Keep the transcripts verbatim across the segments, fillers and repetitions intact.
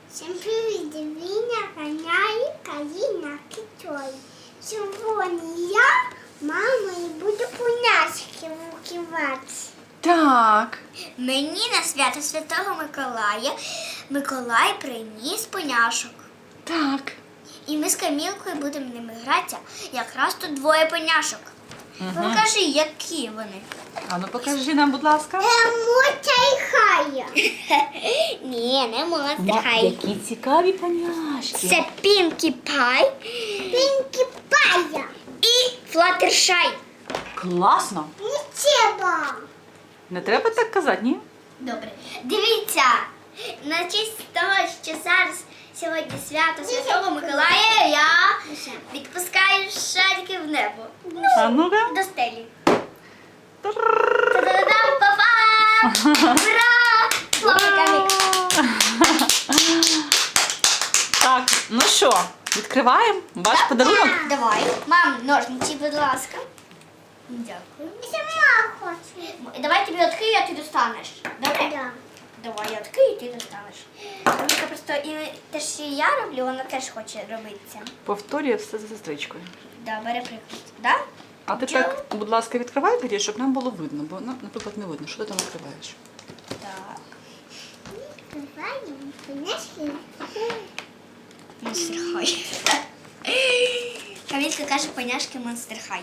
Всім привіт, Віня, Каня, Каліна, Китой. Сьогодні я, мама, і буду поняшки вкивати. Так. Мені на свято Святого Миколая Миколай приніс поняшок. Так. І ми з Камілкою будемо ними гратися. Якраз тут двоє поняшок. Угу. Покажи, які вони. А ну покажи нам, будь ласка. Моця і Хая. Ні, не Моця Хая. Які цікаві поняшки. Це Пінкі Пай, Пінкі Пая і Флаттершай. Класно. Не треба. Не треба так казати, ні? Добре. Дивіться, на честь того, що зараз сьогодні свято Святого Миколая, я відпускаю шарики в небо. А ну-ка. До стелі. Та-да-дам, па-па! Ура! Хлопчиками. Так, ну що, відкриваємо ваш подарунок? Давай. Мам, ножниці, будь ласка. Дякую. Сама хочу. Давай тобі відкрию, а ти достанеш. Добре? Да. Давай я відкрию, і ти достанеш. Тому просто і те, що я роблю, вона теж хоче робити це. Повторює все за сестричкою. Да, бери приклад. Да? А ти так, будь ласка, відкривай тоді, щоб нам було видно, бо, ну, наприклад, не видно, що ти там відкриваєш. Так. Відкриваємо поняшки. Монстер Хай. Камілька каже, поняшки Монстер Хай.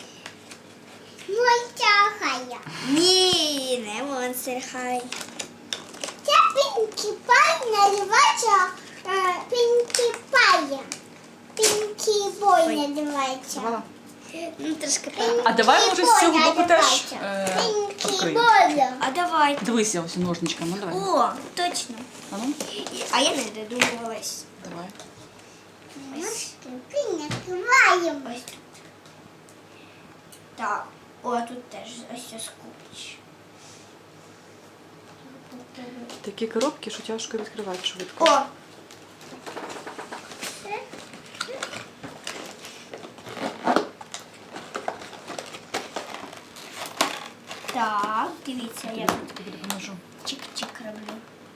Монстер Хай. Ні, не Монстер Хай. Це Пінкі Пай називається Пінкі Пай. Пінкі Бой називається. Давай. Ну, трошки правда. А давай, може, з цього боку теж е, відкриємо. А давай. Дивися ось ножничками, ну давай. О, точно. А ну, А я не додумувалась. давай. Ось. Накриваємо. Ось тут. Так. О, тут теж ось це скупич. Такі коробки, що тяжко відкривати швидко. О! Так, дивіться, я тут Тобі допоможу. чик-чик роблю.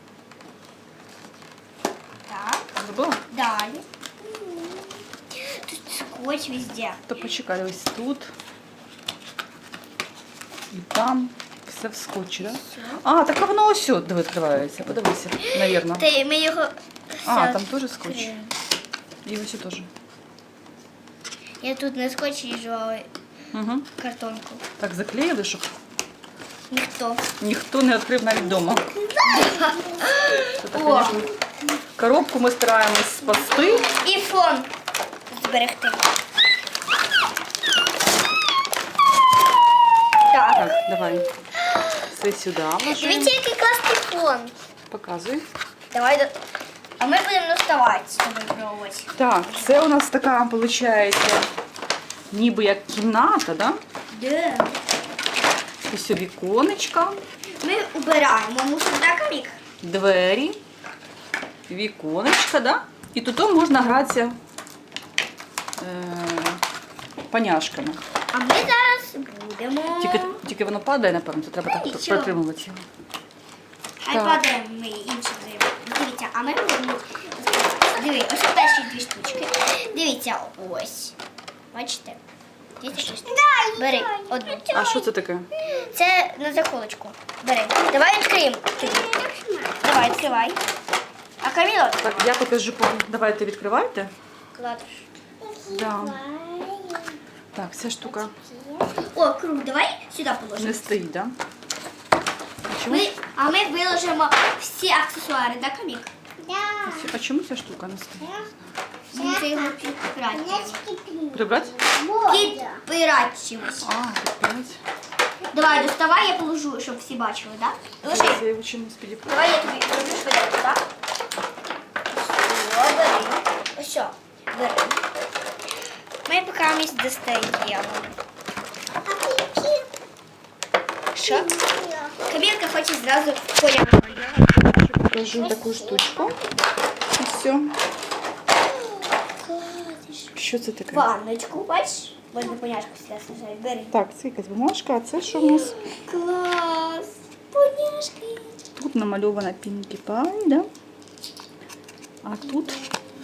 Так, Зробила? далі. Тут скотч везде. То почекай, ось тут. І там. Все в скотчі, так? Да? А, так а воно ось сюди диви, відкривається. Подивися, навірно. Та ми його... А, все там теж скотч. відкриємо. І ось теж. Я тут на скотчі їжджу Угу. картонку. Так заклеїли, щоб Ніхто. ніхто не відкрив навіть вдома. Це так, О. звісно, коробку ми стараємось спасти. І фон зберегти. Так. Так, давай. Все сюди вложимо. Дивіться, який класний фон. Показуй. Давай до... А ми будемо наставати з тобою пробувати. Так, це у нас така, виходить, ніби як кімната, да? Де? Ось віконечка, Ми убираємо мусор, так, Камік? двері, віконечка, да? І тут можна гратися е, поняшками. А ми зараз будемо... Тільки, тільки воно падає, напевно, то треба так Нічого. протримувати його. Хай Так. падаємо ми іншим займемо. Дивіться, а ми будемо... Диви, ось перші дві штучки. Дивіться, ось. Бачите? Дивіться, щось. Бери одну. А що це таке? Це на заколочку. Бери. Давай відкриємо. тобі. Давай, відкривай. А Каміло? Так, я покажу, давайте відкривайте. Кладеш. Да. Так, ця штука О, круг, давай сюди положимо. не стоїть, да? А чому, Ми, а ми виложимо всі аксесуари, так, Камік? а чому ця штука не стоїть? Ми це його підпирати. Прибрати? Підпирати чимось. А, підпирати. Давай, доставай, я положу, щоб всі бачили, так? Ложи. Я його чимось підіпрати. Давай я тобі роблю швидко, так? Все, бери. Ось, все, бери. Ми поки місць достаємо. Що? Камілка хоче зразу поняти. Покажу таку штучку. І все. Що це таке? Ванночку, бачиш? Можна поняшку сюди сажати. Бери. Так, це якась бумажка, а це що у нас? Клас! Поняшки. Тут намальована Пінкі Пай, да? А тут,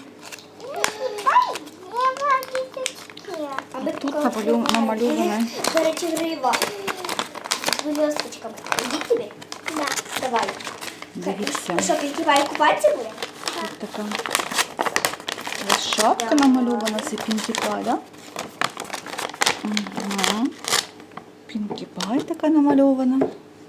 А ми тут такого намалю- відкриваємо. намальоване. До речі, грива. З блісточками. Іди тобі? Да. Давай. дивіться, Ну що, підкривай, купатися буде? тут така ось шапка намальована, це Пінкі Пай, да? Угу. Пінкі Пай така намальована.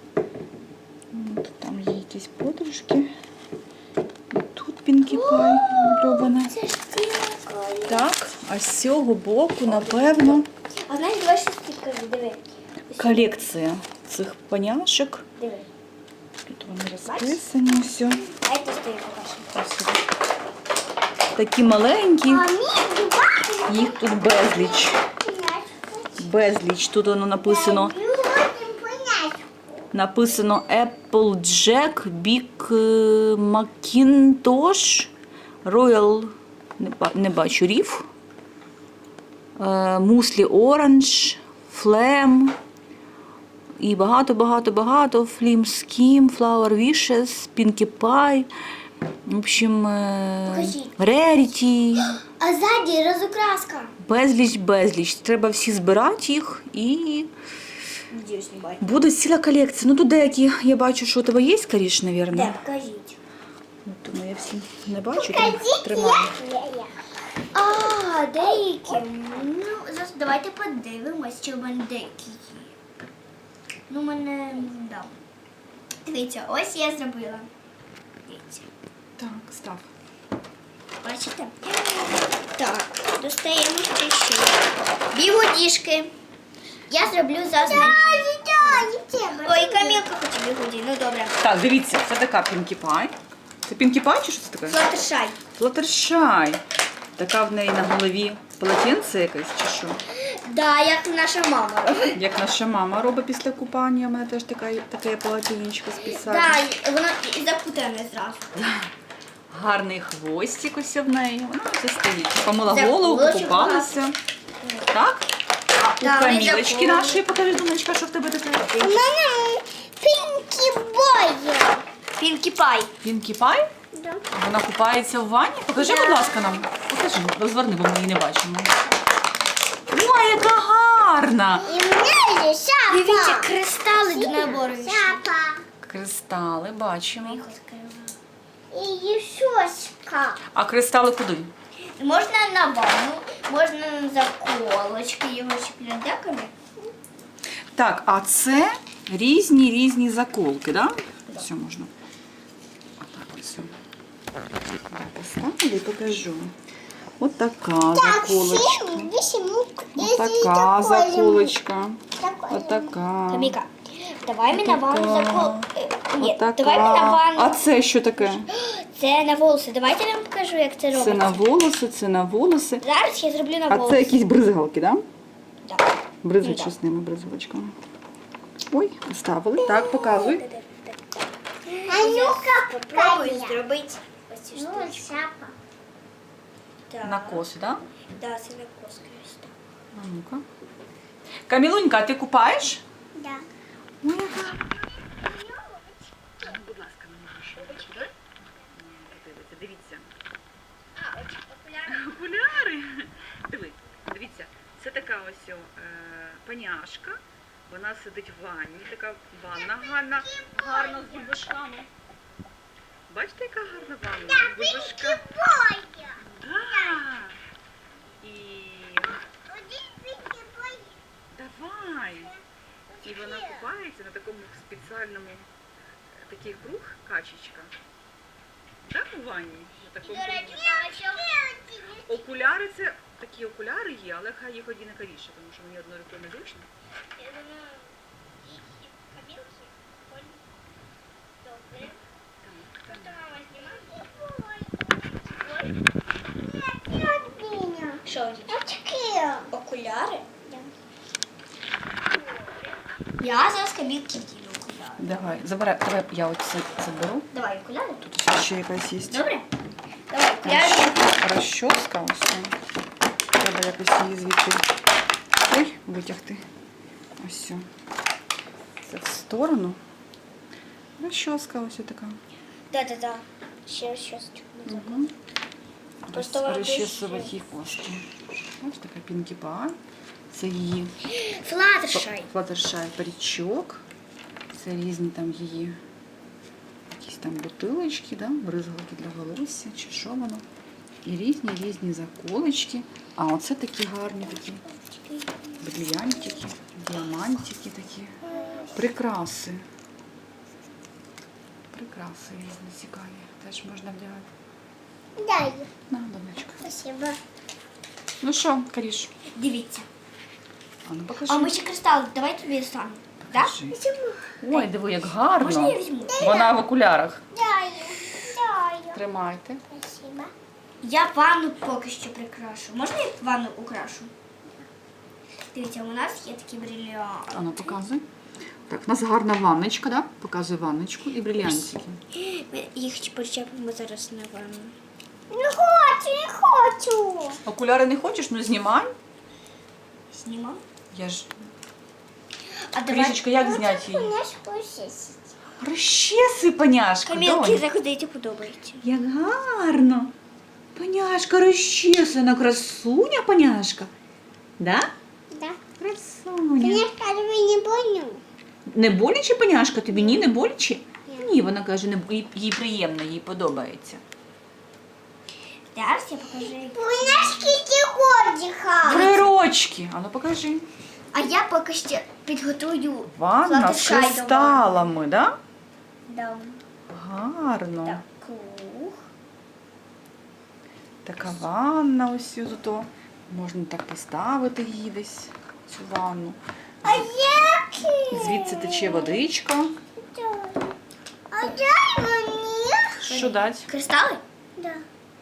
От там є якісь подружки. І тут Пінкі Пай намальована. Це ж тіло. Так, а з цього боку, напевно, А знаєш, давай щось підкажу, диви. колекція цих поняшок. Диви. Тут вони розписані, все. А це стоїть покажемо. Такі маленькі, А мій дубай. їх тут безліч. Безліч. Тут воно написано, написано Applejack, Big е, Macintosh, Royal, не, ба- не бачу, Reef, Muesli Orange, Flame, і багато-багато-багато, Flim Skim, Flower Wishes, Pinkie Pie, в общем, е, Покажіть. Rarity. А ззаді розукраска. Безліч, безліч. Треба всі збирати їх і Надіюсь, не бачу. буде ціла колекція. Ну тут деякі, я бачу, що у тебе є, скоріше, мабуть. Де, покажіть. Тому я всі не бачу, тому тримаю. А, деякі. Ну, зараз давайте подивимось, чи в мене деякі є. Ну, в мене, да. Дивіться, ось я зробила. Дивіться. Так, став. Бачите? Так, достаємо ще ще. Бігудішки. Я зроблю завжди. Ой, Камілка хоче бігуді. Ну, добре. Так, дивіться, це така Pinkie Pie. Це Pinkie Pie чи що це таке? Флаттершай. Fluttershy. Така в неї на голові полотенце якесь чи що? Да, як наша мама робить. Як наша мама робить після купання, у мене теж така, таке полотенечко спеціальне. Да, воно і запутане зразу. Гарний хвостик ось в неї. Вона ось стоїть. Помила Це голову, булочок покупалася. Так? А у Да, вони Камілочки заколоті. нашої, покажи, Дуночка, що в тебе таке? У мене Пінкі Бой. Пінкі Пай. Пінкі Пай? Да. Вона купається в ванні? Покажи, Да. будь ласка, нам. Покажи, розверни, бо ми її не бачимо. Ой, яка гарна! И у меня есть шапка. Дивіться, кристали до набору. Шапка. Кристали, бачимо. И щечка. А кристали куди? Можна на ванну, можна на заколочки його чіпляти. Да, Каміль? Так, а це різні різні заколки, да? Все можна. Отак ось. Поставлю і покажу. От така Так, заколочка. семь, восемь, ну, От если така такой заколочка. Такой От така. Каміка, давай ми на ванну Отака. закол... е, Ні, Отака. давай ми на ванну. А це що таке? Це на волоси. Давайте я вам покажу, як це робиться. Це на волоси, це на волоси. Зараз я зроблю на А волоси. це якісь бризгалки, так? Да? Да. Бризгать Ну, що з ними бризгалочками. Ой, ставили. Так, показуй. А ну-ка, Попробую Катя. зробити ось цю Ну, штучку. шапка. Так. На косу, так? Да, це на косу. А ну-ка. Камілунька, а ти купаєш? Да. Ой, яка. Будь ласка, не можеш робити. Дивіться, дивіться. А, ось окуляри. Окуляри. Диви, дивіться, це така ось о, е, паняшка. Вона сидить в ванні, така ванна гарна, гарна з бульбашками. Бачите, яка гарна ванна з бульбашками? Боя. Да. І Один пинки бой. давай. І вона купається на такому спеціальному е, такий круг, качечка. Так, у ванні? На такому кругу. Окуляри це такі окуляри є, але хай їх однаковіше, тому що мені одною рукою незручно. Я думаю, і кабінки. Добре. Так, Просто так. мама знімає. Меня. Що ось? Очки. Окуляри? Я зараз кабінки вдіну окуляри. Давай, забирай, давай я от це заберу. Давай окуляри. Тут ось ще якась є. Добре? Давай окуляри. Розчоска ось. Треба якось її звідти. Ой, витягти. Ось. Все. Це в сторону. Розчоска ось така. Да-да-да. Ще щось. Угу. Просто вона Розчесувати дуже- їй кошти. Ось така Пінкі Пай. Це її Флаттершай. Флаттершай парічок. Це різні там її якісь там бутилочки, да? Бризгалки для волосся, чи що воно. І різні різні заколочки. А оце такі гарні такі брильянтики, діамантики такі. Прикраси. Прикраси різні цікаві. Теж можна вдягати. Дай. На, донечка. Спасибо. Ну що, Каріш? Дивіться. А ну покажи. А ми ще кристал, давай тобі достанемо. Да? Покажи. Ой, диви, як гарно. Можна я візьму? Вона в окулярах. Дай. Дай. Тримайте. Спасибо. Я ванну поки що прикрашу. Можна я ванну украшу? Дивіться, у нас є такі брильянти. А ну показуй. Так, у нас гарна ванночка, да? Показуй ванночку і брильянтики. Ми їх причепимо зараз на ванну. Не хочу, не хочу. Окуляри не хочеш? Ну знімай. Знімав. Я ж. А давай. Крішечка, як зняти її? Наш посісить. Розчеси, паняшка. Камілки донь. заходити подобається. Як гарно. Паняшка розчесана, красуня, паняшка. Да? Да. Красуня. Я скажу, не понял. Не боляче, паняшка? Тобі ні, не боляче? Ні. Ні, вона каже, не, їй, їй приємно, їй подобається. Зараз я покажу. У нас скільки годіха. Три рочки. А ну покажи. А я поки що підготую Ванна з флаттершай до ванни. кристалами, да? Да. Гарно. Так, круг. Така ванна ось тут. Можна так поставити її десь, цю ванну. А які? Звідси тече водичка. А дай мені. Що дать? Кристали? Да.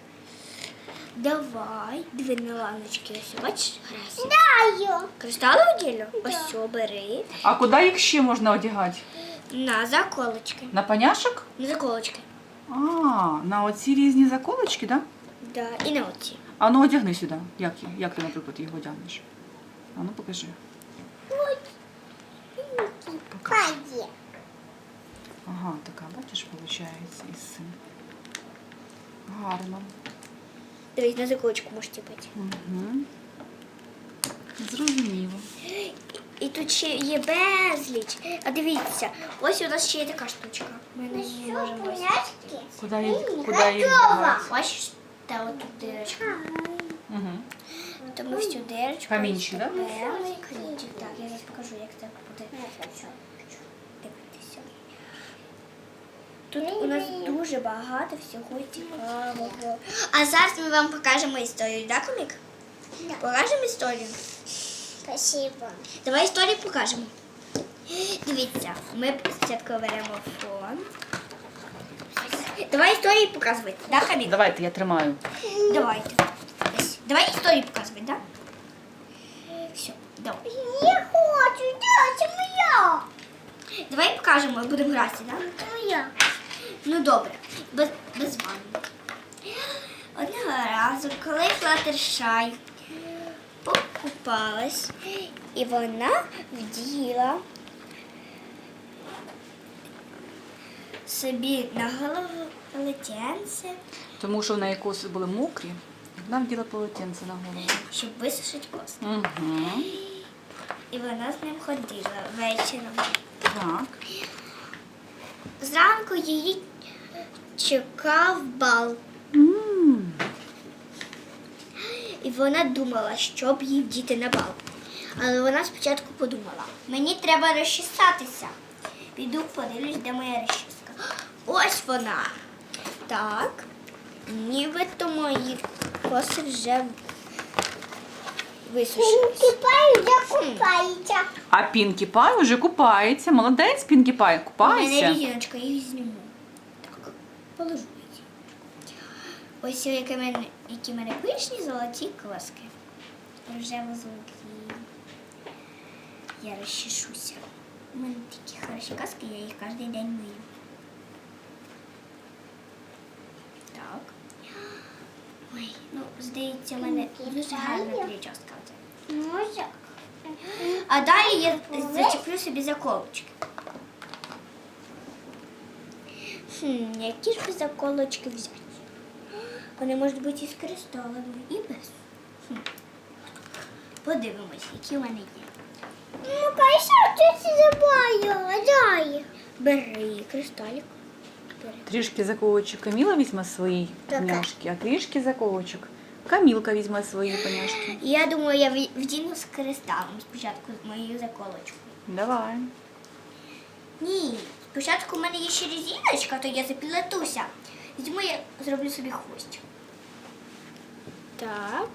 Давай. Дві на ланочки. Ось, бачиш? Раз. Даю. Кристали уділю? Ось все, бери. А куди їх ще можна одягати? На заколочки. На паняшок? На заколочки. А, на оці різні заколочки, так? Да? Да. І на оці. А ну одягни сюди. Як, як ти, наприклад, їх одягнеш? А ну покажи. Паді. Ага, така, бачиш, виходить із цим. Гарно. Дивись, на заколочку можете бути. Угу. Зрозуміло. І, і тут ще є безліч. А дивіться, ось у нас ще є така штучка. Ми на її можемо ось. Пляшки. Куди її, куди її вдягати? Бачиш, та отут дирочка. Угу. То ми всю дирочку. Камінчик, да? беремо. Камінчик, так. Я зараз покажу, як це буде. Дивитися. Тут у нас дуже багато всього цікавого. А зараз ми вам покажемо історію, так, Комік? Да. Покажемо історію? Спасибо. Давай історію покажемо. Дивіться, ми спочатку беремо фон. Давай історію показувати, да, Хамік? Давайте, я тримаю. Давайте. Ось. Давай історію показувати, да? Все, давай. Не хочу, да, це моя. Давай покажемо, будемо грати, да? Це моя. Ну добре, без, без ванни. Одного разу, коли Флаттершай покупалась, і вона вділа собі на голову полотенце, Тому що в неї коси були мокрі, вона вділа полотенце на голову. щоб висушити коси. Угу. І вона з ним ходила вечором. Так. Зранку її чекав бал. М. І вона думала, що б їй вдіти на бал. Але вона спочатку подумала, мені треба розчесатися. Піду подивлюсь, де моя розчіска. Ось вона. Так, нібито мої коси вже висушились. Кипаю, я купаюся. А Пінкі Пай вже купається. Молодець, Пінкі Пай, У мене купайся. різіночка, я їх зніму. Так, положу її. Ось які в мене, які в мене пишні золоті коски. Рожево-золоті. Я розчешуся. У мене такі хороші коски, я їх кожен день мию. Так. Ой, ну, здається, в мене дуже гарна прическа. Може. А далі я зачеплю собі заколочки. Хм, які ж би заколочки взяти? Вони можуть бути із кристалами і без. Хм. Подивимось, які в мене є. Ну, конечно, ти забаю. Дай. Бери кристалік. Бери. Трішки заколочок Каміла візьме свої Так. поняшки, а трішки заколочок Камілка візьме свої поняшки. І я думаю, я в- вдіну з кристалом спочатку з моєю заколочкою. Давай. Ні, спочатку в мене є ще резиночка, то я заплетуся. Візьму, я зроблю собі хвостик. Так.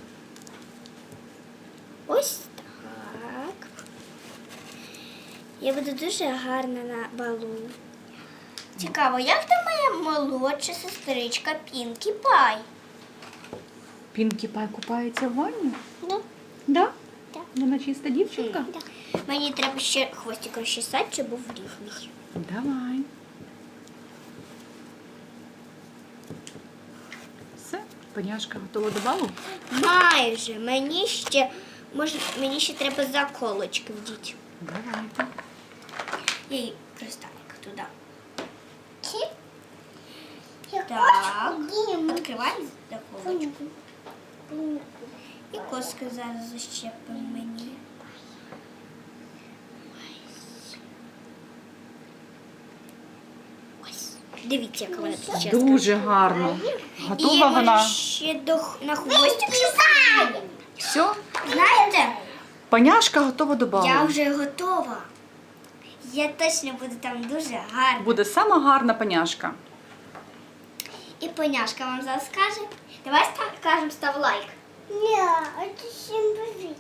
Ось так. Я буду дуже гарна на балу. Цікаво, як там моя молодша сестричка Пінкі Пай? Пінкі Пай купається в ванні? Да. Да? Так. Вона чиста дівчинка? Да. Мені треба ще хвостик розчесати, щоб був рівний. Давай. Все, поняшка готова до балу? Майже. Мені ще, може, мені ще треба заколочки вдіти. Давайте. І кристалик туди. Чи? Я Так. хочу їм. Відкриваємо заколочку. М. І коски зараз защепимо мені. Ось. Дивіться, яка вона тут чесно. Дуже гарно. І Готова я вона. можу ще до, х- на хвостик щось. Все, Знаєте, поняшка готова до балу. я вже готова. Я точно буду там дуже гарна. Буде сама гарна поняшка. І поняшка вам зараз скаже. Давай ста- кажемо, став лайк. Ні, а ти всім бежить.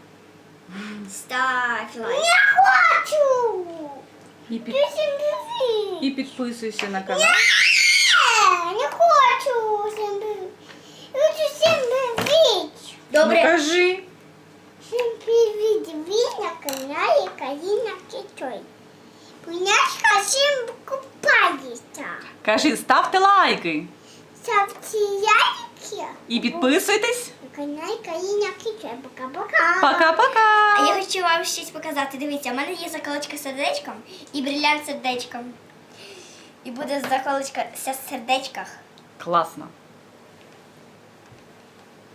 Став лайк. Я хочу. І, під... Ти всім бежить. і підписуйся на канал. Ні, не хочу всім бежить. Я хочу всім бежить. Добре. Ну, кажи. Всім привіт. Ви на каналі Каріна Китой. Поняшка всім купається. Кажи, ставте лайки. Ставте лайки. І підписуйтесь. На каналі Каріна Китой. Пока-пока. Пока-пока. А я хочу вам щось показати. Дивіться, у мене є заколочка з сердечком і брилянт з сердечком. І буде заколочка з сердечках. Класно.